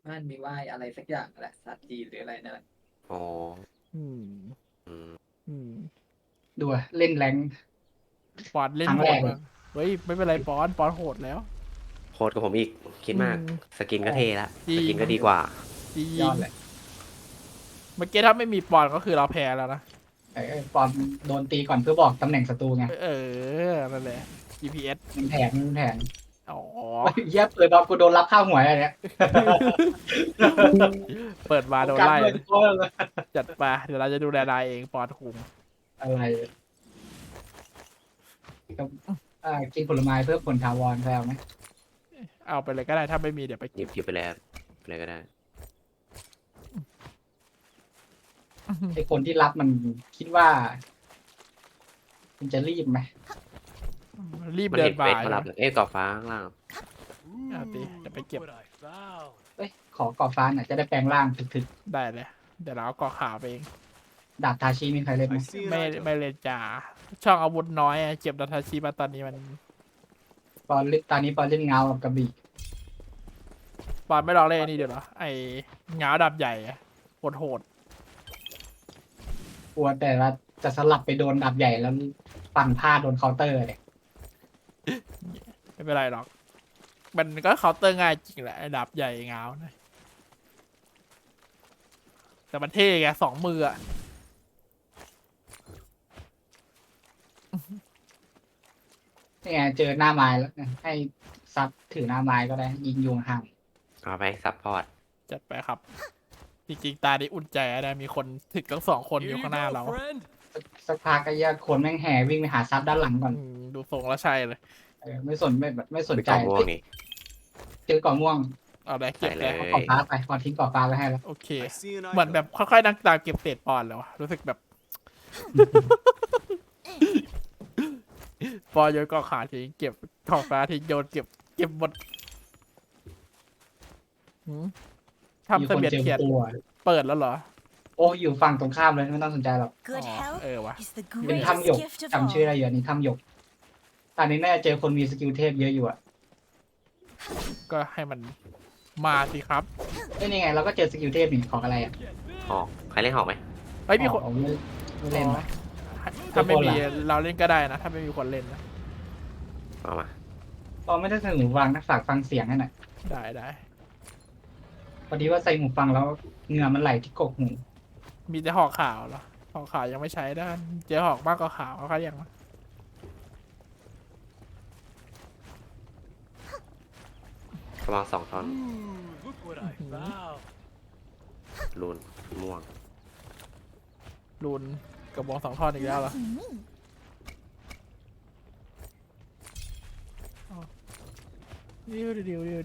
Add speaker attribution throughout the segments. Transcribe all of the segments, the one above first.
Speaker 1: บ้านมีไหว้อะไรสักอย่างแหละศาสตร์จีนหรืออะไรนั่นแหละ
Speaker 2: อ๋อ
Speaker 3: อืม
Speaker 2: อืม
Speaker 3: อืม
Speaker 4: ดูอะเล่นแรง
Speaker 3: ปอนเล่
Speaker 4: ครั้งแรกเลย
Speaker 3: นโหดมากเฮ้ยไม่เป็นไรปอนโหดแล้ว
Speaker 2: โคตรกับผมอีกคิดมาก
Speaker 3: อืม
Speaker 2: สกินก็เท่ละ
Speaker 3: จริ
Speaker 2: ส
Speaker 3: ง
Speaker 2: กินก็ดีกว่า
Speaker 3: จริ
Speaker 4: ยอง ดเลย
Speaker 3: เมื่อกี้ถ้าไม่มีปอนก็คือเราแพ้แล้วนะ
Speaker 4: ปอนโดนตีก่อนเพื่อบอกตำแหน่งศัตรูไง
Speaker 3: เออนั่นแหละ GPS
Speaker 4: มันแผน
Speaker 3: อ๋อ
Speaker 4: เหี้ยเปิดดอกกูโดนรับข้าวหวยอะไรเนี่ย
Speaker 3: เปิดมาโดน
Speaker 4: กลับ
Speaker 3: ไล่
Speaker 4: เลยตัวเลย
Speaker 3: จัดมาเดี๋ยวเราจะดูแลนายเองปอนคุม
Speaker 4: อะไรกับกินผลไม้เพื่อผลถาวรแล้วไหม
Speaker 3: เอาไปเลยก็ได้ถ้าไม่มีเดี๋ยวไป
Speaker 2: หยิบไปแล้วไปเลยก็ได้
Speaker 4: ไอคนที่รับมันคิดว่ามันจะรีบไหม
Speaker 3: รีบ
Speaker 2: มัน
Speaker 3: เดิ
Speaker 2: เห็
Speaker 3: น
Speaker 2: น
Speaker 3: มา
Speaker 2: เฟซมารับเลยเอ้ยกรอบฟ้าข้างล่าง
Speaker 3: เอาดิเดี๋ยวไปเก็บ
Speaker 4: เอ้ยขอกรอบฟ้าหน่อยจะได้แปลงร่างถึก
Speaker 3: ได้เลยเดี๋ยวเราเอากอขาวไปเอง
Speaker 4: ๆดาบทาชิมีใครเล่นไหม
Speaker 3: ไม่เล่นจ่าช่องอาวุธน้อยอะเก็บดัตทาชิมาตอนนี้มัน
Speaker 4: ปอนเล่นตอนนี้ปอนเล่นเงากับกระบี่
Speaker 3: ปอนไม่ลองเล่นนี่เดี๋ยวเหรอไอ้เงาดับใหญ่อะโหด
Speaker 4: กลัวแต่ว่าจะสลับไปโดนดาบใหญ่แล้วปั่นพลาดโดนเคาน์เตอร์เนี่ย
Speaker 3: ไม่เป็นไรหรอก มันก็เคาน์เตอร์ง่ายจริงแหละไอ้ดับใหญ่เงานะแต่มันเท่ไง2 มืออะ
Speaker 4: นี่ไงเจอหน้าไม้แล้วให้ซับถือหน้าไม้ก็ได้ยิงยุงห่าง
Speaker 2: เอาไปซัพพอร์ต
Speaker 3: จัดไปครับ จริงๆตานี้อุ่นใจนะมีคนถึกทั้ง2 คนอยู่ข้างหน้าเรา
Speaker 4: สักพักก็แยกคนแม่งแห่วิ่งไปหาซับด้านหลังก่อน
Speaker 3: ดูทรงแล้วใช่เลย
Speaker 4: ไม่สนไม่สน
Speaker 2: ไป
Speaker 4: ใจ
Speaker 2: กล่องม่วงนี่
Speaker 4: เจอก่อม่วง
Speaker 3: เอาได้เก็บ
Speaker 2: ใส่
Speaker 3: เล
Speaker 2: เลย ย
Speaker 4: เอาก่อฟ้าไปก่อนทิ้งก่อฟ้าไว้ให้แล้ว
Speaker 3: โอเค เหมือนแบบค่อยๆนั่งตามเก็บเศษปอนด์แล้วอะรู้สึกแบบ ปอนโยนกองขาทิ้งเก็บกองฟ้าทิ้งโยนเก็บหมดหืม
Speaker 4: มี
Speaker 3: ทำ
Speaker 4: ค
Speaker 3: เส
Speaker 4: น
Speaker 3: บียน
Speaker 4: เจอ
Speaker 3: เขียน
Speaker 4: ตัว
Speaker 3: เปิดแล้วเหรอ
Speaker 4: โอ้อยู่ฝั่งตรงข้ามเลยไม่ต้องสนใจหรอก
Speaker 5: Good
Speaker 3: Oh,
Speaker 5: health
Speaker 3: wah.
Speaker 5: is the
Speaker 4: เป็น
Speaker 5: greatest
Speaker 4: ถ้ำหยก
Speaker 5: gift of
Speaker 4: จำชื่ออะไร
Speaker 5: all.
Speaker 4: อยู่อันนี้ถ้ำหยกตอนนี้น่าจะเจอคนมีสกิลเทพเยอะอยู่อ่ะ
Speaker 3: ก็ให้มันมาสิครับ
Speaker 4: นี่ไงเราก็เจอสกิลเทพนี่ของอะไรอ่ะ
Speaker 2: หอกใครเล่นหอกไหม
Speaker 3: เฮ้ยมีคน
Speaker 4: อ๋อไม่เล่นไหม
Speaker 3: ถ้าไม่มี
Speaker 4: ทุกคนล่ะ
Speaker 3: เราเล่นก็ได้นะ ถ้าไม่มีคนเล่นนะ
Speaker 2: เอามา
Speaker 4: ตอนไม่ได้ใส่หูฟังนะฝากฟังเสียงให้หน่อย
Speaker 3: ได้
Speaker 4: พอดีว่าใส่หูฟังแล้วเหงื่อมันไหลที่กกหู
Speaker 3: มีแต่หอกขาวเหรอหอกขาวยังไม่ใช้ได้เจอหอกมากกว่าขาวเขายัง
Speaker 2: กระบอก2 ท่อน
Speaker 6: Look what I found.
Speaker 2: รูนม่วง
Speaker 3: รุนกระบอก2 ท่อนอีกแล้วเหรอ
Speaker 5: Lucky me.
Speaker 3: ดิว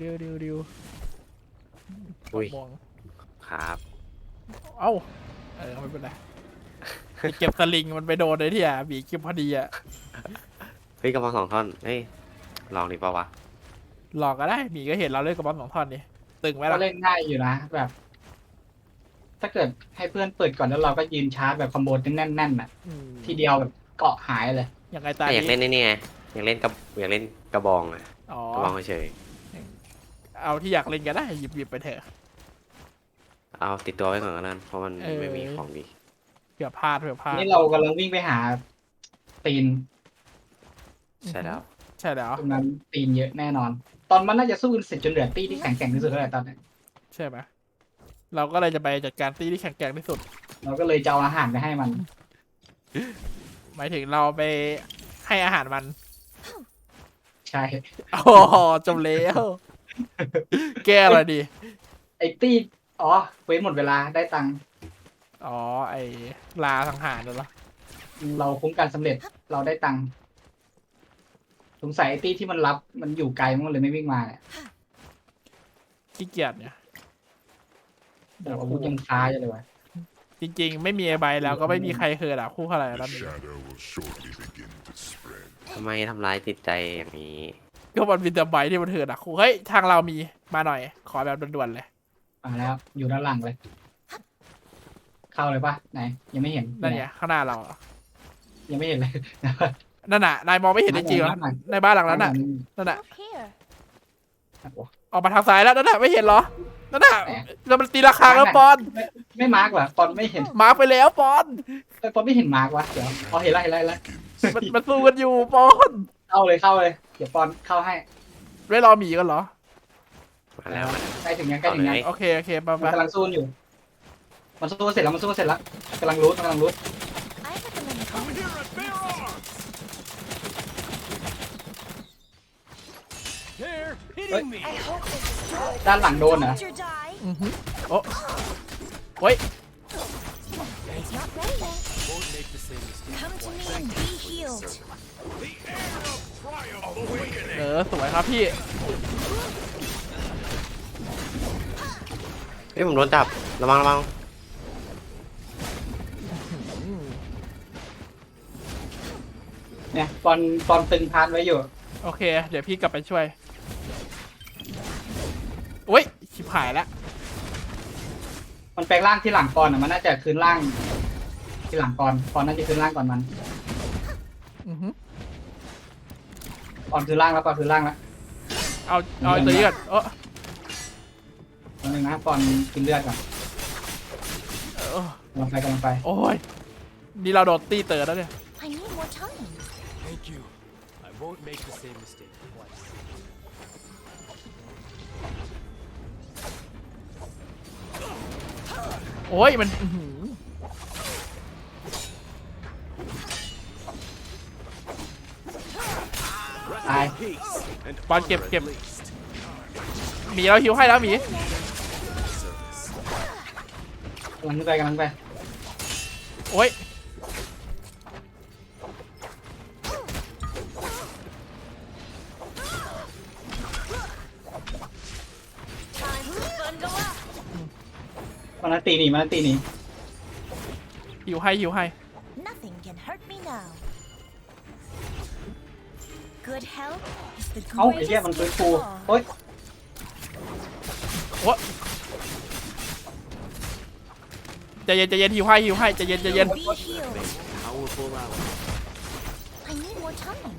Speaker 2: อุ้ย
Speaker 3: ม่วง
Speaker 2: ครับ
Speaker 3: เอ้าไม่เป็นไรไปเก็บสลิงมันไปโดนเลยที่อ่ะบีเก็บพอดีอ่ะ
Speaker 2: เฮ้ยกระบอก2 ท่อนเฮ้ยลองดีเปล่าวะ
Speaker 3: หลอกก็ได้บีก็เห็นเราเล่นกระบอก2 ท่อนนี่ตึงไหม
Speaker 4: ก็
Speaker 3: ล่ะ
Speaker 4: เล่นง่ายอยู่นะแบบ ถ้าเกิดให้เพื่อนเปิดก่อนแล้วเราก็ยืนชาร์จแบบคอมโบแน่นๆน่ะ
Speaker 3: อืม
Speaker 4: ทีเดียวแบบเกาะหายเลย
Speaker 3: ยังไงตา
Speaker 2: อยากเล่น
Speaker 3: นี้
Speaker 2: นี่ไงอยากเล่นกระบองอะ
Speaker 3: อ๋อ
Speaker 2: กระบองเฉย
Speaker 3: เอาที่อยากเล่นก็ได้หยิบไปเถอะ
Speaker 2: ๆเอาติดตัวไว้ก่อนก็ได้เพราะมัน
Speaker 3: เออ
Speaker 2: ไม่มีของดี
Speaker 3: เผื่อพลาด
Speaker 4: นี่เรากำลังวิ่งไปหาตีน
Speaker 2: ใช่แล้ว
Speaker 3: ใช่แล้ว
Speaker 4: ตรงนั้นตีนเยอะแน่นอน ตอนมันน่าจะสู้กันเสร็จจนเหลือตี้ที่แข็งแกร่งที่สุดแล้วแหละตอนนี้
Speaker 3: ใช่ไหมเราก็เลยจะไปจัดการตีที่แข็งแกร่งที่สุด
Speaker 4: เราก็เลยจะเอาอาหารไปให้มัน
Speaker 3: หมายถึงเราไปให้อาหารมัน
Speaker 4: ใช่
Speaker 3: โอ้โหจบแล้วแก้อะไรดี
Speaker 4: ไอ้ตี้อ๋อเว้นหมดเวลาได้ตังค์
Speaker 3: อ๋อไอ้ลาสังหารน่ะเหรอ
Speaker 4: เราคุ้มกันสำเร็จเราได้ตังค์สงสัยไอ้ตี้ที่มันรับมันอยู่ไกลมันเลยไม่วิ่งมาเนี่ย
Speaker 3: ขี้เกียจเนี่ย
Speaker 4: เดี๋ยวอาวุธยังค้าอยู่เลยวะ
Speaker 3: จริงๆ ไม่มีไอ้ใบแล้วก็ไม่มีใครเคยด่าคู่เท่าไหร่แล้ว
Speaker 6: The
Speaker 3: นี่
Speaker 6: shadow will shortly begin to spread.
Speaker 2: ทำไมทำร้ายจิตใจอย่างนี้
Speaker 3: ก็มันมีแต่ใบที่มันเถื่อนด่าคู่เฮ้ยทางเรามีมาหน่อย ขอแบบด่วนๆเลย
Speaker 4: มาแล้ว อยู่ด้านหลังเลย เข้าเลยปะไหน ยังไม่เห็น
Speaker 3: นั่นไงข้างหน้าเราอะ
Speaker 4: ยังไม่เห็นเลย
Speaker 3: นั่นน่ะนายมองไม่เห็นจริงๆเหรอในบ้านหลังนั้นน่ะนั่นน่ะ
Speaker 5: Look here.
Speaker 3: ออกมาทางซ้ายแล้วนั่นน่ะไม่เห็นเหรอนั่นน่ะแล้วมันตีราคาแล้วปอน
Speaker 4: ไม่มาร์กว่ะปอนไม่เห็น
Speaker 3: มาไปแล้วปอน
Speaker 4: ปอนไม่เห็นมาร์กว่ะเดี๋ยวพอเห็นแล้ว
Speaker 3: มันสู้กันอยู่ปอน
Speaker 4: เข้าเลยเดี๋ยวปอนเข้าให้
Speaker 3: ไม่รอหมีกันเหรอ
Speaker 2: มาแล้วมาแล้ว
Speaker 4: ใกล้ถึงยัง
Speaker 2: เอาเลย
Speaker 3: โอเคไป
Speaker 4: มันกำลังสู้อยู่มันสู้เสร็จแล้วกำลังรูท
Speaker 5: I recommend
Speaker 6: Over here at bear arms! They're hitting me!
Speaker 5: I hope this is
Speaker 4: ด้านหลังโดนเหรอ
Speaker 5: Don't you die.
Speaker 3: โอ้เฮ้ย
Speaker 5: It's not ready yet.
Speaker 6: Won't make the same mistake.
Speaker 5: Come to me and be healed.
Speaker 6: The air of triumph awakening!
Speaker 3: สวยครับพี่
Speaker 2: เฮ้ยผมโดนจับระวัง
Speaker 4: เนี่ยปอนตึงพานไว้อยู่
Speaker 3: โอเค เดี๋ยวพี่กลับไปช่วยโอ้ยชิบหายแล้ว
Speaker 4: มันแปลงร่างที่หลังปอนอ่ะมันน่าจะคืนร่างที่หลังปอนน่าจะคืนร่างก่อนมัน ปอนคืนร่างแล้ว
Speaker 3: เอาตัวนี้ก่อน
Speaker 4: ตอนนึงนะปอนกินเลือดก่อนกำลังไป
Speaker 3: โอ้ยนี่เราโดนตีเตอร์แล้วเนี่ย
Speaker 5: I need more time.
Speaker 6: Thank you. I won't make the same mistake twice.
Speaker 3: โอ้ยมัน
Speaker 4: ตาย
Speaker 6: Peace and
Speaker 3: บอลเก็บ
Speaker 6: honor at least.
Speaker 3: หมีเราหิวให้แล้วหมี
Speaker 4: กำลังไป
Speaker 3: โอ้ย
Speaker 5: Time to bundle up.
Speaker 4: มันตีหนี
Speaker 3: หิวให้
Speaker 5: Nothing can hurt me now. Good health is the
Speaker 4: เอ้าไอ้เหี้ย
Speaker 5: greatest
Speaker 4: มันฟื้น
Speaker 5: gift
Speaker 4: ฟู
Speaker 5: of all.
Speaker 4: โอ๊ย
Speaker 3: ใจเย็นหิวให้ใจเย็น
Speaker 5: Be healed.
Speaker 6: Powerful ally.
Speaker 5: I need more time.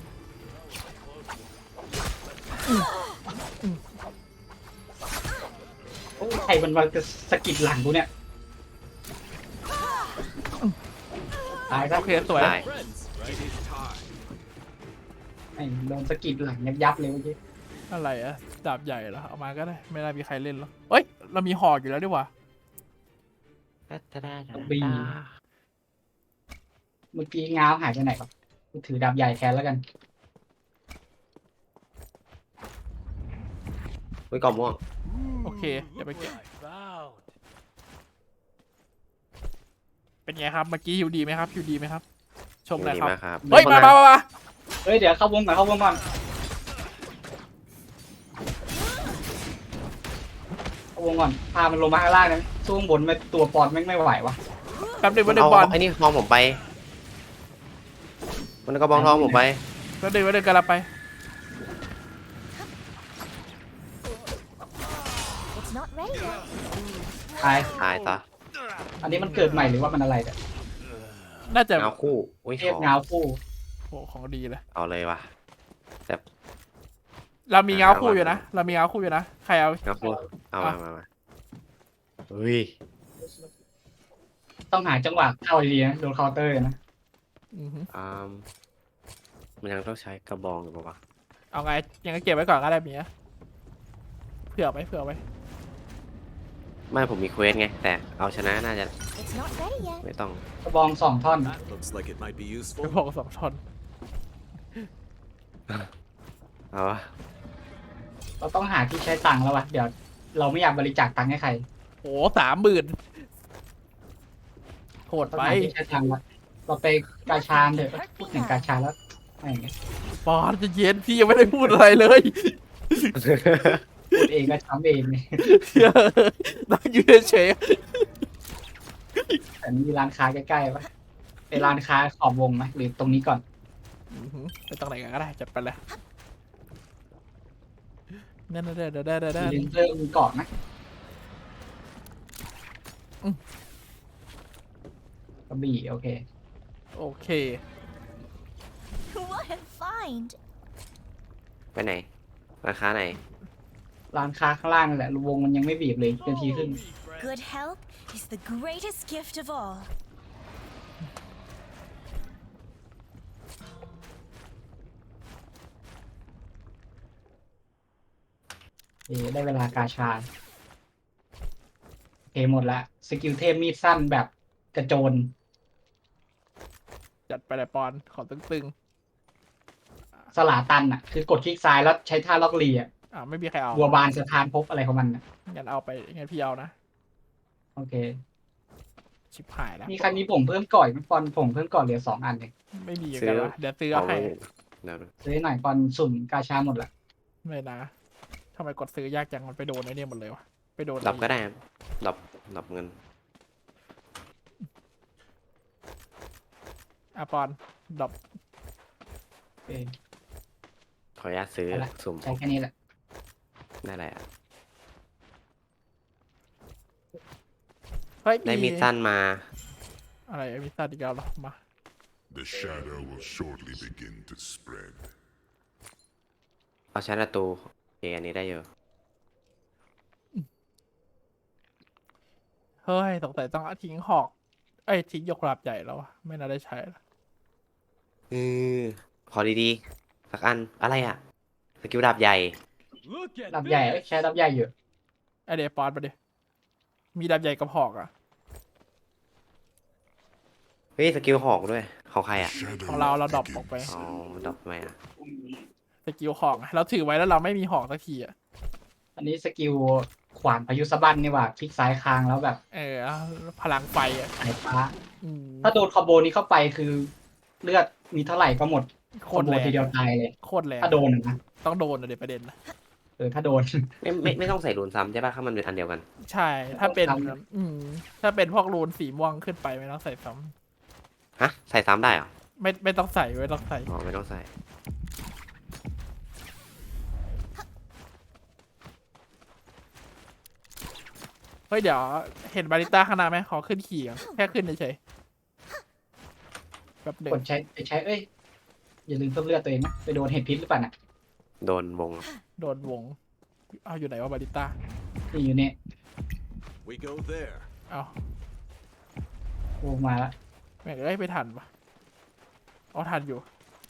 Speaker 4: ใครมันมาสะกิดหลังกูเนี่ยตายซะ
Speaker 3: โอเคสวย
Speaker 2: ๆตาย
Speaker 6: Friends, right? It is time.
Speaker 4: ไอ้โดนสะกิดหลังยับเลยเมื่อกี้
Speaker 3: อะไรอะดาบใหญ่เหรอเอามาก็ได้ไม่น่ามีใครเล่นหรอกเอ้ยเรามีหอกอยู่แล้วดีกว่า
Speaker 4: บีเมื่อกี้ง้าวหายไปไหนครับกูถือดาบใหญ่แทนแล้วกัน
Speaker 2: เฮ้ยกล่องม่วง
Speaker 3: โอเคเดี๋ยวไป
Speaker 6: Look
Speaker 3: เก็บ
Speaker 6: what I found.
Speaker 3: เป็นไงครับเมื่อกี้หิวดีไหมครับชมหน่อย
Speaker 2: ดี
Speaker 3: ครับ
Speaker 2: มากครับ
Speaker 3: เฮ้ยมา
Speaker 4: เฮ้ยเดี๋ยวเข้าวงก่อนพามันลงมาข้างล่างนะสู้ข้างบนไม่ตัวปอนไม่ไหววะ
Speaker 3: แป๊บนึง
Speaker 2: เอา
Speaker 3: บอล
Speaker 2: ไอ้นี่ทองผมไปมันก็บองทองผมไป
Speaker 3: แป๊บนึงกันละไป
Speaker 5: It's not ready yet.
Speaker 4: ตาย
Speaker 2: ตายต่อ
Speaker 4: อันนี้มันเกิดใหม่หรือว่ามันอะไรเนี่ย
Speaker 3: น่าจะ
Speaker 2: เงาคู่อุ้ย
Speaker 4: เทพเงาคู่
Speaker 3: โอ้ของดีเลย
Speaker 2: เอาเลยว่ะ
Speaker 3: เรามีเงาคู่อยู่นะใครเอา
Speaker 2: เงาคู่เอามาเฮ้ย
Speaker 4: ต้องหาจังหวะเข้าดีๆนะโดนเคาน์เตอร์นะ
Speaker 2: มันยังต้องใช้กระบองอยู่ปะวะ
Speaker 3: เอาไงยังเก็บไว้ก่อนก็ได้เมียเผื่อไว้
Speaker 2: ไม่ผมมีเควสไงแต่เอาชนะน่าจะ
Speaker 5: It's not ready yet.
Speaker 2: ไม่ต้อง
Speaker 4: กระบอง2 ท่อน
Speaker 6: That looks like it might be
Speaker 3: ก
Speaker 6: useful.
Speaker 3: ระบอก2 ท่อน
Speaker 2: เอาวะ
Speaker 4: เราต้องหาที่ใช้ตังค์แล้ววะเดี๋ยวเราไม่อยากบริจาคตังค์ให้ใคร
Speaker 3: โอ้30,000โหด
Speaker 4: ต้อง
Speaker 3: ไป
Speaker 4: หาที่ใช้ตังค์ละเราไปกาชาเถอะพูดถึงกาชาแล้วอะไรอย่างเงี้ย
Speaker 3: ปอนจะเย็นพี่ยังไม่ได้พูดอะไรเลย
Speaker 4: พูดเองก็ช้ำเองเนี่ย
Speaker 3: นั่งอยู่เฉย
Speaker 4: แต่มีร้านค้าใกล้ๆปะไปร้านค้าขอบวงไหมหรือตรงนี้ก่อน
Speaker 3: ๆไปตรงไหนกันก็ได้จัดไปเลยนั่น
Speaker 4: มีเลนเซอร์มีเกาะนะกระบี่โอเค
Speaker 3: โอเค
Speaker 5: What a find.
Speaker 2: ไปไหนราคาไหน
Speaker 4: ร้านค้าข้างล่างนั่นแหละวงมันยังไม่บีบเลยนาทีครึ่ง
Speaker 5: Good health is the greatest gift of all.
Speaker 4: ได้เวลากาชาหมดละสกิลเทพมีดสั้นแบบกระโจน
Speaker 3: จัดไปเลยปอนขอตึง
Speaker 4: สลาตันอ่ะคือกดคลิกซ้ายแล้วใช้ท่าล็อกลีอ่ะ
Speaker 3: ๆไม่มีใครเอา
Speaker 4: บัวบานสถานภพอะไรของมันน่ะ
Speaker 3: งั้นเอาไปงั้นพี่เอานะ
Speaker 4: โอเค
Speaker 3: ชิบหายแล้ว
Speaker 4: มีใครมีผมเพิ่มก่อนไหมปอนผมเพิ่มก่อนเหลือ2 อันเอง
Speaker 3: ไม่มีกันวะเดี๋ยวซื้อเอาให้
Speaker 2: เดี๋ยว
Speaker 4: ซื้อหน่อยปอนสุ่มกาชาหมดละ
Speaker 3: ไม่นะทำไมกดซื้อยากจังมันไปโดนไอ้เนี่ยหมดเลยวะไปโดน
Speaker 2: ดับก็ได้ครับดับเงิน
Speaker 3: ปอนดรอป
Speaker 4: โอเค
Speaker 2: ขออนุญาตซื้อ
Speaker 4: เอาละ
Speaker 2: สุ่ม
Speaker 4: ใช้แค่นี้แหละ
Speaker 2: ได้แหละ
Speaker 3: เฮ้ย
Speaker 2: ได้มีดสั้นมา
Speaker 3: อะไรมีสั้นอีกแล้วเหรอมา
Speaker 7: The shadow will shortly begin to spread.
Speaker 2: เอาใช้ประตูโอเคอันนี้ได้เยอะ
Speaker 3: เฮ้ยสงสัยต้องทิ้งหอกทิ้งยกดาบใหญ่แล้ววะไม่น่าได้ใช้ละ
Speaker 2: ขอดีๆสักอันอะไรอ่ะสกิลดาบใหญ่
Speaker 6: Look at
Speaker 4: ดับใหญ่
Speaker 6: this.
Speaker 4: ใช้ดับใหญ่อยู่
Speaker 3: เดี๋ยวปอนไปดิมีดาบใหญ่กับหอกอ่ะ
Speaker 2: เฮ้ยสกิลหอกด้วยของใครอ่ะ
Speaker 7: Shadow
Speaker 3: ของเราดรอปออกไป
Speaker 2: อ๋อมันดรอปไหมอ่ะ
Speaker 3: สกิลหอกเราถือไว้แล้วเราไม่มีหอกสักทีอ่ะ
Speaker 4: อันนี้สกิลขวานพายุสะบั้นนี่หว่าคลิกซ้ายค้างแล้วแบบ
Speaker 3: พลังไฟอ่ะ
Speaker 4: สายฟ้า
Speaker 3: อืม
Speaker 4: ถ้าโดนคอมโบนี้เข้าไปคือเลือดมีเท่าไหร่ก็หมด
Speaker 3: โค
Speaker 4: คอม
Speaker 3: ตร
Speaker 4: โบ
Speaker 3: แรง
Speaker 4: ทีเดียวตายเลย
Speaker 3: โคตรแรง
Speaker 4: ถ้าโดนนะ
Speaker 3: ต้องโดนอะเดี๋ยวประเด็นนะ
Speaker 4: ถ้าโดน
Speaker 2: ไม่ต้องใส่รูนซ้ำใช่ป่ะถ้ามันเป็นอันเดียวกัน
Speaker 3: ใช่ถ้าเป็น
Speaker 4: ต้องท
Speaker 3: ถ้าเป็นพวกรูนสีม่วงขึ้นไปไม่ต้องใส่ซ้
Speaker 2: ฮะใส่ซ้ำได้เหรอ
Speaker 3: ำไม่ต้องใส่ไม่ต้องใส่
Speaker 2: อ๋อไม่ต้องใส่
Speaker 3: เฮ้ยเดี๋ยวเห็นบาริต้าข้างหน้าไหมขอขึ้นขี่ก่อนแค่ขึ้นเฉยๆแบบหนึ่ง
Speaker 4: กดใช้อย่าลืมเพิ่มเลือดตัวเองนะไปโดนเห็ดพิษหรือเปล่าน่ะ
Speaker 2: โดนวง
Speaker 3: โดนวงเอาอยู่ไหนวะบาริต้า
Speaker 4: นี่อยู่เนี่ย
Speaker 6: We go there.
Speaker 3: เอา
Speaker 4: วงมาแล้ว
Speaker 3: แม่งไม่ทันปะเอาทันอยู่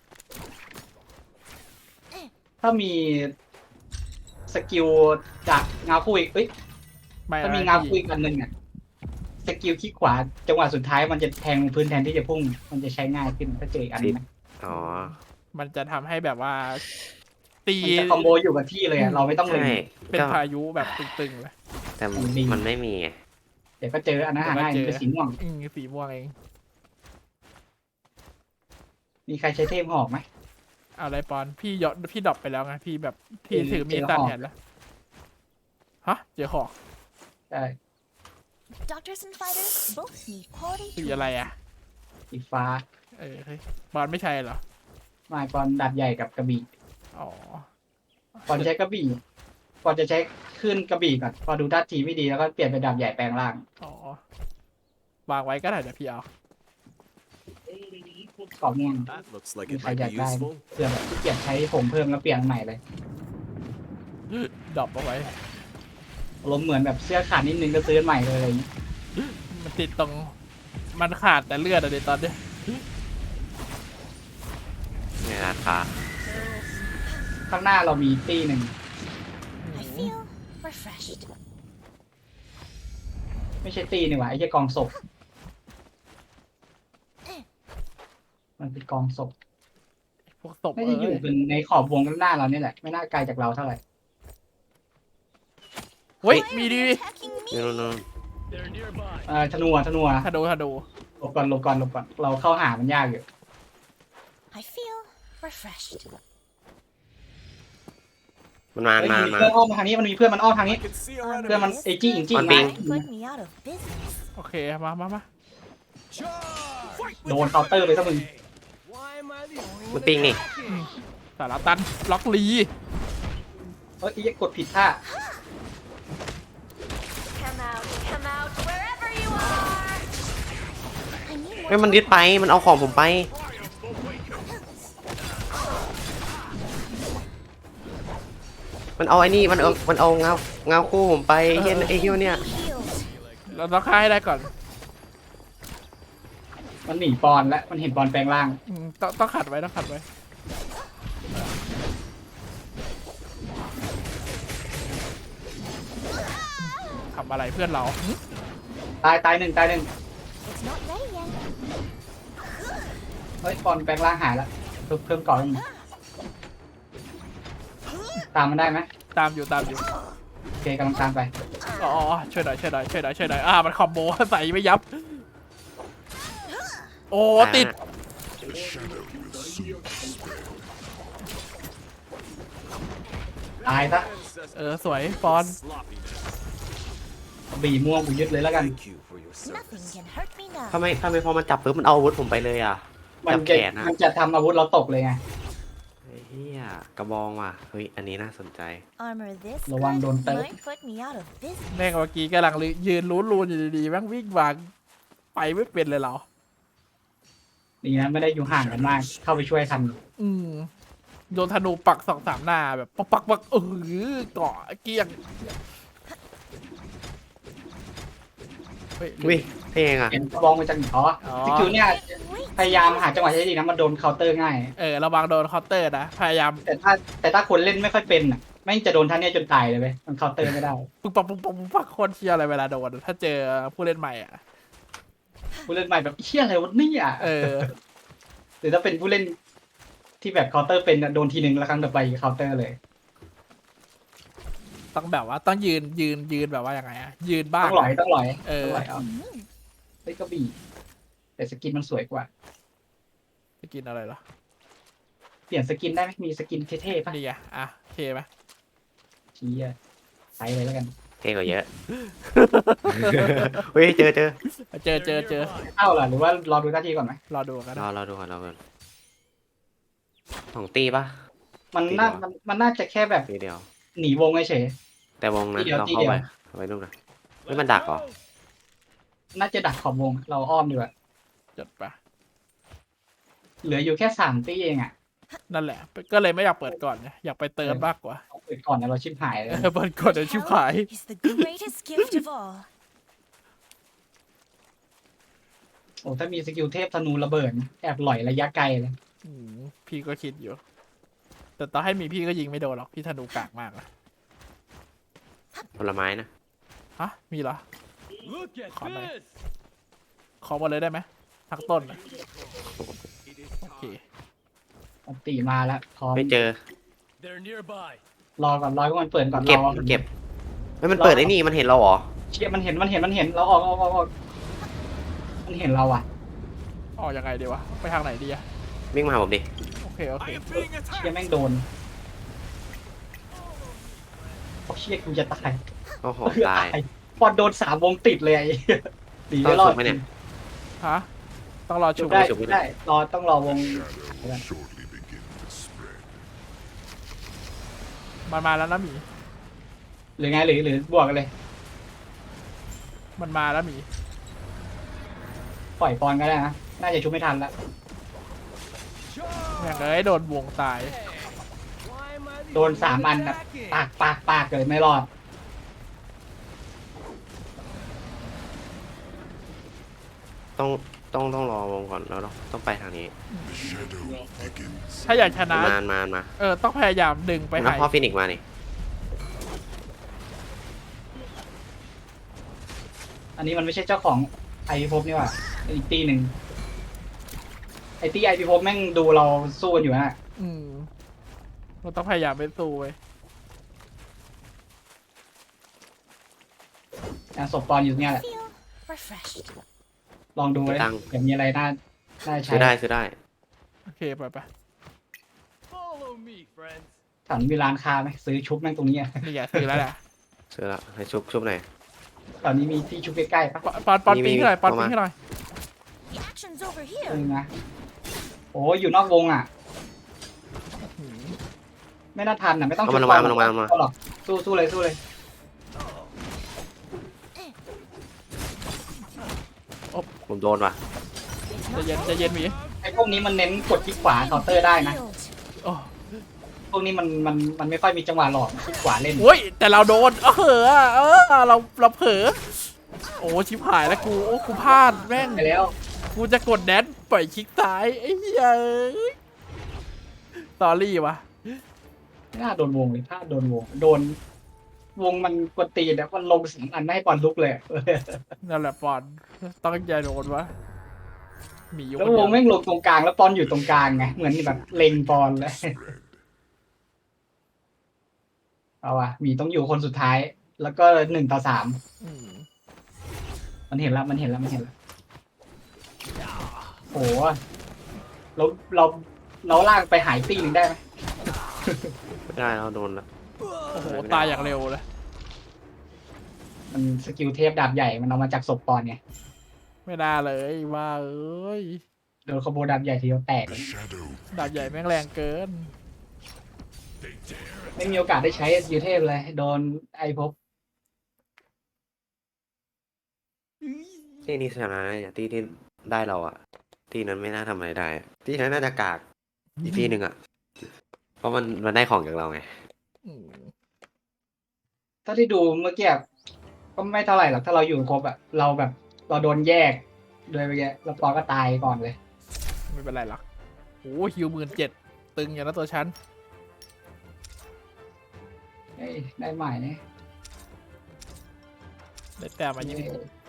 Speaker 4: ถ้ามีสกิลจากเงาคู่อีกเอ้ย
Speaker 3: ไม่
Speaker 4: ถ้ามี
Speaker 3: ไม่
Speaker 4: เงาคู่อีกอันหนึ่งอ่ะสกิลคลิกขวาจังหวะสุดท้ายมันจะแทงพื้นแทนที่จะพุ่งมันจะใช้ง่ายขึ้นถ้าเจออีกอันนึงนะ
Speaker 2: อ๋อ
Speaker 3: มันจะทำให้แบบว่า ตี
Speaker 4: มันจะคอมโบอยู่กับที่เลยอะเราไม่ต้องเล็ง
Speaker 2: ใช่
Speaker 3: เป็น
Speaker 2: ก็
Speaker 3: พายุแบบตึงๆเลย
Speaker 2: แต่
Speaker 4: ดี
Speaker 2: มันไม่มีไง
Speaker 4: เดี๋ยวก็เจออันนั้นหาง่ายมันเป็นสีม่วง
Speaker 3: สีม่วงเอง
Speaker 4: มีใครใช้เทพหอกไหม
Speaker 3: เอาอะไรปอนพี่ดรอปไปแล้วไงพี่แบบพี่ถือมีดสั้นแทนแล้วฮะเจอหอก
Speaker 4: ใช่
Speaker 5: Doctors and fighters both need quality
Speaker 3: สีอะไร
Speaker 5: tools.
Speaker 3: อ่ะ
Speaker 4: สีฟ้า
Speaker 3: เฮ้ยบอลไม่ใช่เหรอ
Speaker 4: ไมาก่อนดาบใหญ่กับกระบี่
Speaker 3: อ๋อ
Speaker 4: ก่อนใช้กระบี่ก่อนจะใช้ขึ้นกระบี่ก่อนพอดูท่าทีไม่ดีแล้วก็เปลี่ยนเป็นดาบใหญ่แปลงร่าง
Speaker 3: อ๋อวางไว้ก็ได้เดี๋ยวพี่เอา
Speaker 4: กรอบม่วง
Speaker 6: That looks like
Speaker 4: มี
Speaker 6: it
Speaker 4: ใคร
Speaker 6: might
Speaker 4: อยาก
Speaker 6: be
Speaker 4: ได้
Speaker 6: useful.
Speaker 4: เพื่อแบบที่เกียจใช้ผมเพิ่มแล้วเปลี่ยนอันใหม่เลย
Speaker 3: ดรอปเอาไว้
Speaker 4: ล้มเหมือนแบบเสื้อขาดนิดนึงก็ซื้ออันใหม่เลยอะไรอย่างนี้
Speaker 3: มันติดตรงมันขาดแต่เลือดอะเดี๋ยวตอนเนี้ย
Speaker 2: ในร้านค้า
Speaker 4: ข้างหน้าเรามีตีหนึ่ง
Speaker 5: I feel refreshed.
Speaker 4: ไม่ใช่ตีนี่หว่าไอ้แค่กองศพมันเป็นกองศพ
Speaker 3: พวกศพ
Speaker 4: น่าจะอยู่เป็นในขอบวงข้างหน้าเรานี่แหละไม่น่าไกลจากเราเท่าไหร่
Speaker 3: เฮ้ยมีดี
Speaker 5: Attacking me.
Speaker 2: นู่น
Speaker 6: They're nearby.
Speaker 4: ธนูอะธนูอะ
Speaker 3: ถ้าดู
Speaker 4: หลบก่อนเราเข้าหามันยากอยู่
Speaker 5: I feel refreshed.
Speaker 2: มันมา
Speaker 4: เฮ้ย
Speaker 2: มา
Speaker 4: มี
Speaker 2: มา
Speaker 4: เพื่อนอ้อมมาทางนี้มันมีเพื่อนมันอ้อมทางนี้
Speaker 6: I can see our
Speaker 4: เพื่อนมัน
Speaker 6: enemies.
Speaker 4: ไอจี้อิงจี้
Speaker 2: มัน
Speaker 4: มา
Speaker 2: ปิง
Speaker 5: Put me out of business.
Speaker 3: โอเคมา
Speaker 6: Charge! Fight
Speaker 4: โดนเคาน์เตอร์ไปซะมึง
Speaker 6: Why am I the only
Speaker 2: มัน
Speaker 6: one
Speaker 2: ปิงนี่
Speaker 3: สารตันล็อกลี
Speaker 4: เฮ้ยไอ้กดผิดท่า
Speaker 5: Come out, wherever you are. I need
Speaker 2: เฮ้ย
Speaker 5: more
Speaker 2: มันยึดไปมันเอาของผมไป เมันเอาไอ้นี่มันเอาเงาคู่ผมไปไอ้เหี้ยเนี่ย
Speaker 5: Healed.
Speaker 3: เราต้องฆ่าให้ได้ก่อน
Speaker 4: มันหนีปอนแล้วมันเห็นปอนแปลงร่าง
Speaker 3: ต้องขัดไว้ต้องขัดไว้ทำอะไรเพื่อนเรา
Speaker 4: ตายหนึ่ง
Speaker 5: It's not ready yet.
Speaker 4: เฮ้ยปอนแปลงร่างหายแล้วเพิ่มก่อนตามมันได้ไหม
Speaker 3: ตามอยู่
Speaker 4: โอเคกำลังตามไป
Speaker 3: อ๋อช่วยหน่อยมันคอมโบใส่ไม่ยับ โอ้ติด
Speaker 7: The shadow will soon dispel.
Speaker 4: ตายซะ
Speaker 3: สวยปอน
Speaker 6: Sloppiness.
Speaker 4: บีม่วงกูยึดเลยแล้วกัน
Speaker 6: Thank you for your
Speaker 5: Nothing
Speaker 6: service.
Speaker 5: can hurt me now.
Speaker 2: ทำไมพอมันจับปุ๊บมันเอาอาวุธผมไปเลยอ่ะ
Speaker 4: มัน
Speaker 2: จับ
Speaker 4: จะ
Speaker 2: แขนอะ
Speaker 4: มันจะทำอาวุธเราตกเลยไง
Speaker 2: ไอ้เหี้ยกระบองว่ะเฮ้ยอันนี้น่าสนใจ
Speaker 5: Armor this
Speaker 4: ระวัง
Speaker 5: good
Speaker 4: โดนเติร์
Speaker 5: might put me out of business.
Speaker 3: แม่งเมื่อกี้กำลังยืนรูนอยู่ดีๆแม่งวิ่งวางไปไม่เป็นเลยเรา
Speaker 4: ดีนะไม่ได้อยู่ห่างกันมาก เข้าไปช่วยทัน
Speaker 3: โดนธนูปัก2-3หน้าแบบปักเกาะเกลี้ยงเฮ้ย
Speaker 2: วิเท่งอ่ะ
Speaker 4: เห็นกระบองมาจากไหนอ๋อสกิลเนี่ย
Speaker 5: Wait.
Speaker 4: พยายามหาจังหวะใช้ดีนะมันโดนเคาน์เตอร์ง่าย
Speaker 3: ระวังโดนเคาน์เตอร์นะพยายาม
Speaker 4: แต่ถ้าคนเล่นไม่ค่อยเป็นอ่ะแม่งจะโดนท่านเนี่ยจนตายเลยเว้ยมันเคาน์เตอร์ไม่ได้
Speaker 3: ปุ๊บปักโคตรเชียอะไรเวลาโดนถ้าเจอผู้เล่นใหม่อ่ะ
Speaker 4: ผู้เล่นใหม่แบบเชี่ยอะไรวะเนี่ย หรือถ้าเป็นผู้เล่นที่แบบเคาน์เตอร์เป็นอะโดนทีนึงแล้วครั้งต่อไปเคาน์เตอร์เลย
Speaker 3: ต้องแบบว่าต้องยืนแบบว่ายังไงอะยืนบ้าง
Speaker 4: ต้องหลอย
Speaker 3: ต้องหลอยเอา
Speaker 4: เฮ้ยก็บีแต่สกินมันสวยกว่า
Speaker 3: จะกินอะไรเหรอ
Speaker 4: เปลี่ยนสกินได้ไหมมีสกินเท่ๆป่ะ
Speaker 3: นี่ไงอ่ะเทไหม
Speaker 4: ชี้อะใส่เลยแล้วกัน
Speaker 2: เท่กว่าเยอะ เฮ้ยเจอ
Speaker 3: เจอ
Speaker 4: เข้าเหรอหรือว่ารอดูหน้าที่ก่อนไหม
Speaker 3: รอดูกันนะ
Speaker 2: รอดูก่อนของตีปะ
Speaker 4: มันน่าจะแค่แบบ
Speaker 2: ตีเดียว
Speaker 4: หนีวงเฉย
Speaker 2: แต่วงนะ
Speaker 4: ตีเดียว
Speaker 2: เรา
Speaker 4: ตี
Speaker 2: เข้า
Speaker 4: เดียว
Speaker 2: ไปดูนะเฮ้ยมันดักเหรอ
Speaker 4: น่าจะดักขอบวงเราอ้อมดีกว่า
Speaker 3: จดปะ
Speaker 4: เหลืออยู่แค่3 ตีเองอ่ะ
Speaker 3: นั่นแหละ ก็เลยไม่อยากเปิดก่อนไงอยากไปเติมมากกว่า
Speaker 4: เอาเปิดก่อนนะเราชิบหายเลย
Speaker 3: เปิดก่อนเดี๋ยวชิบหาย
Speaker 5: Is the greatest gift of all.
Speaker 4: โอ้ถ้ามีสกิลเทพธนูระเบิดแอบหล่อยระยะไกลเลย
Speaker 3: พี่ก็คิดอยู่ แต่ต่อให้มีพี่ก็ยิงไม่โดนหรอกพี่ธนูกากมากอะ
Speaker 2: ผลไม้นะ
Speaker 3: ฮะมีเหรอ
Speaker 6: Look at
Speaker 3: Come on.
Speaker 6: this.
Speaker 3: ขอมาเลยได้ไหมทั้งต้นอะ
Speaker 6: It is
Speaker 3: โอเค
Speaker 6: time.
Speaker 4: อันตีมาแล้วพร้อม
Speaker 2: ไม่เจอ
Speaker 6: They're nearby.
Speaker 4: รอก่อนรอให้มันเปิดก่อน
Speaker 2: เก็บ
Speaker 4: รอ
Speaker 2: เก็บไม่มันเปิดไอ้นี่มันเห็นเราเหรอ
Speaker 4: เชี่ยมันเห็นเราออกมันเห็นเราอ่ะ
Speaker 3: ออกยังไงดีวะไปทางไหนดีอะ
Speaker 2: วิ่งมาหาผมดิ
Speaker 3: โอเค
Speaker 6: I am being
Speaker 4: เชี่ย
Speaker 6: attacked.
Speaker 4: แม่งโดนโอ้เชี่ยกูจะตาย
Speaker 2: โอ้โหตาย
Speaker 4: ปอนโดน3 วงติดเลยไอ้ดีไม่รอด
Speaker 2: ต้องชุบไหมเนี่ย
Speaker 3: ฮะต้องรอ
Speaker 4: ชุ
Speaker 3: ชุ
Speaker 4: บบ ได้
Speaker 2: ชุบไม่ได้
Speaker 4: ได้ต้องรอวง
Speaker 7: Shadow will shortly begin to spread.
Speaker 3: มันมาแล้วนะหมี
Speaker 4: หรือไงหรือบวกกันเลย
Speaker 3: มันมาแล้วหมี
Speaker 4: ปล่อยปอนก็ได้นะน่าจะชุบไม่ทันแล้ว
Speaker 3: อย่างเลยโดนวงตาย
Speaker 6: Why am I the
Speaker 4: โดน
Speaker 6: only
Speaker 4: 3 อัน
Speaker 6: one
Speaker 4: แบบ
Speaker 6: attacking?
Speaker 4: ปากเลยไม่รอด
Speaker 2: ต้องรอวงก่อนแล้วต้องไปทางนี้
Speaker 7: The shadow begins.
Speaker 3: ถ้าอยากชนะ
Speaker 2: มา
Speaker 3: ต้องพยายามดึงไป
Speaker 2: แล้ว
Speaker 3: หาย
Speaker 2: พ่อฟินิกซ์มานี่
Speaker 4: อันนี้มันไม่ใช่เจ้าของไอพีภพนี่หว่าอีกตีหนึ่งไอตีไอพีภพแม่งดูเราสู้กันอยู่นะ
Speaker 3: เราต้องพยายามไปสู้เว้ย
Speaker 4: ศพปอนอยู่เนี่ยแหละ
Speaker 5: Feel refreshed.
Speaker 4: ลองดูเลยเดี๋ยวมีอะไรน่าใช้
Speaker 2: ซื้อได้
Speaker 3: โอเคไป
Speaker 6: Follow me, friends.
Speaker 4: ถามมีร้านค้าไหมซื้อชุบแม่งตรงนี้อะ
Speaker 3: นี่ไงซื้อแล้วแหละ
Speaker 2: ซื้อละให้ชุบหน่อย
Speaker 4: ตอนนี้มีที่ชุบใกล้ๆปะ
Speaker 3: ปอน
Speaker 2: มี
Speaker 3: ปิ้งให้หน่อยปอน
Speaker 2: ประมา
Speaker 3: ปิ้
Speaker 2: ณ
Speaker 3: งให้หน่อย
Speaker 5: The action's over
Speaker 4: เอ
Speaker 5: here.
Speaker 4: อนะโอ้อยู่นอกวงอ่ะ ไม่น่าทันอ่ะไม่ต้อง
Speaker 2: เอามัน
Speaker 4: ชุบ
Speaker 2: ลงมา
Speaker 4: หรอกสู้เลย
Speaker 2: ผมโดนว่ะ
Speaker 5: It's
Speaker 3: ใจะ
Speaker 5: not
Speaker 3: เย็นหมี
Speaker 4: ไอพวกนี้มันเน้นกดที่ขวาเคาน์เตอร์ได้นะ
Speaker 5: healed.
Speaker 3: โอ้
Speaker 4: พวกนี้มันไม่ค่อยมีจังหวะหลอกที่ขวาเล่น
Speaker 3: โอ้ยแต่เราโดนเราเผลอโอ้ชิบหายแล้วกูโอ้กูพลาดแม่ง
Speaker 4: ไปแล้ว
Speaker 3: กูจะกดแดนปล่อยคลิกซ้ายไอ้เหี้ยตอรี่วะ
Speaker 4: ไม่น่าโดนวงเลยถ้าโดนวงโดนวงมันกดตีนแล้วมันลงสองอันไม่ให้บอลลุกเลย
Speaker 3: นั่นแหละปอนต้องใจโดนวะหมีอยู่
Speaker 4: แล้ว
Speaker 3: คน
Speaker 4: ว
Speaker 3: เดี
Speaker 4: ง
Speaker 3: ยว
Speaker 4: แม่งลงตรงกลางแล้วปอนอยู่ตรงกลางไงเหมือนแบบเล็งปอนเลย
Speaker 7: Spread.
Speaker 4: เอาว่ะหมีต้องอยู่คนสุดท้าย แล้วก็1-3มันเห็นแล้วโหเราลากไปหายตีหนึ่งได้ไหม
Speaker 2: ไม่ได้เราโดนละ
Speaker 3: โอ้โหตายอย่างเร็วเลย
Speaker 4: มันสกิลเทพดาบใหญ่มันเอามาจากศพปอนไง
Speaker 3: ไม่น่าเลยว่าเอ้ย
Speaker 4: โดนคอมโบดาบใหญ่ทีเดียวแตก
Speaker 7: The shadow.
Speaker 3: ดาบใหญ่แม่งแรงเกิน
Speaker 7: They dare.
Speaker 4: ไม่มีโอกาสได้ใช้สกิลเทพเลย โดนไอภพ
Speaker 2: ที่นี่ชนะเนี่ยที่ได้เราอะที่นั้นไม่น่าทำอะไรได้อะที่นั้นน่าจะกากอีกที่หนึ่งอะเพราะมันได้ของจากเราไง
Speaker 3: อืม
Speaker 4: ถ้าที่ดูเมื่อกี้ก็ไม่เท่าไหร่หรอกถ้าเราอยู่ครบอะเราโดนแยกโดยเมื่อกี้แล้วปอนก็ตายก่อนเลย
Speaker 3: ไม่เป็นไรหรอกโอ้ฮิว17,000ตึงอย่างนั้นตัวฉัน
Speaker 4: เฮ้ยได้ใหม่เนี่ย
Speaker 3: ได้แต้มมา
Speaker 4: เย้
Speaker 3: 20